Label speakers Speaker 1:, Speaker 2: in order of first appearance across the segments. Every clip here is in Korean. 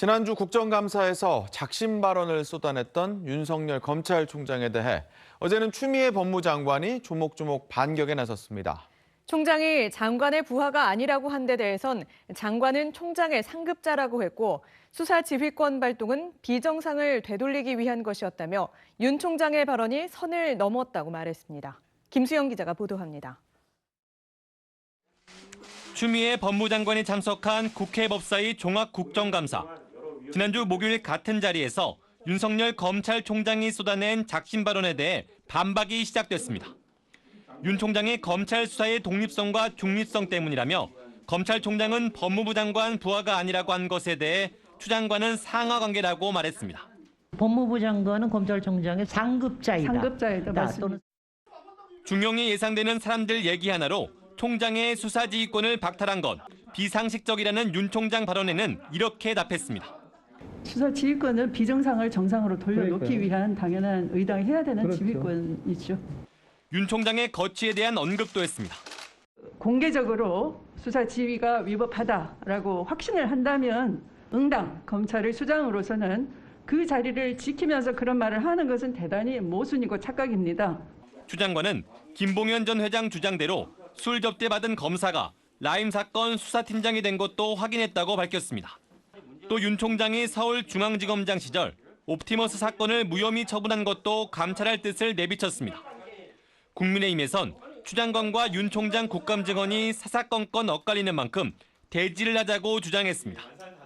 Speaker 1: 지난주 국정감사에서 작심 발언을 쏟아냈던 윤석열 검찰총장에 대해 어제는 추미애 법무장관이 조목조목 반격에 나섰습니다.
Speaker 2: 총장이 장관의 부하가 아니라고 한 데 대해선 장관은 총장의 상급자라고 했고 수사 지휘권 발동은 비정상을 되돌리기 위한 것이었다며 윤 총장의 발언이 선을 넘었다고 말했습니다. 김수영 기자가 보도합니다.
Speaker 3: 추미애 법무장관이 참석한 국회 법사위 종합국정감사. 지난주 목요일 같은 자리에서 윤석열 검찰총장이 쏟아낸 작심 발언에 대해 반박이 시작됐습니다. 윤 총장이 검찰 수사의 독립성과 중립성 때문이라며 검찰총장은 법무부 장관 부하가 아니라고 한 것에 대해 추 장관은 상하관계라고 말했습니다.
Speaker 4: 법무부 장관은 검찰총장의 상급자이다.
Speaker 5: 맞습니다.
Speaker 3: 중용이 예상되는 사람들 얘기 하나로 총장의 수사지휘권을 박탈한 것, 비상식적이라는 윤 총장 발언에는 이렇게 답했습니다.
Speaker 5: 수사 지휘권을 비정상을 정상으로 돌려놓기 위한 당연한 의당이 해야 되는
Speaker 6: 그렇죠.
Speaker 5: 지휘권이죠.
Speaker 3: 윤 총장의 거취에 대한 언급도 했습니다.
Speaker 5: 공개적으로 수사 지휘가 위법하다라고 확신을 한다면 응당 검찰의 수장으로서는 그 자리를 지키면서 그런 말을 하는 것은 대단히 모순이고 착각입니다.
Speaker 3: 추 장관은 김봉현 전 회장 주장대로 술 접대받은 검사가 라임 사건 수사팀장이 된 것도 확인했다고 밝혔습니다. 또 윤 총장이 서울중앙지검장 시절 옵티머스 사건을 무혐의 처분한 것도 감찰할 뜻을 내비쳤습니다. 국민의힘에선 추 장관과 윤 총장 국감증언이 사사건건 엇갈리는 만큼 대지를 하자고 주장했습니다.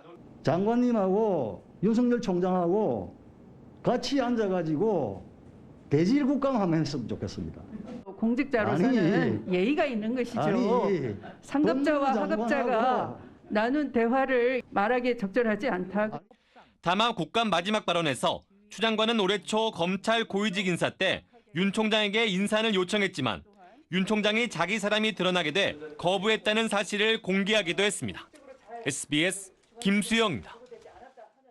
Speaker 6: 장관님하고 윤석열 총장하고 같이 앉아가지고 대질 국감하면 했으면 좋겠습니다.
Speaker 5: 공직자로서는 예의가 있는 것이죠. 상급자와 하급자가 나눈 대화를 말하기에 적절하지 않다.
Speaker 3: 다만 국감 마지막 발언에서 추 장관은 올해 초 검찰 고위직 인사 때 윤 총장에게 인사를 요청했지만 윤 총장이 자기 사람이 드러나게 돼 거부했다는 사실을 공개하기도 했습니다. SBS 김수영입니다.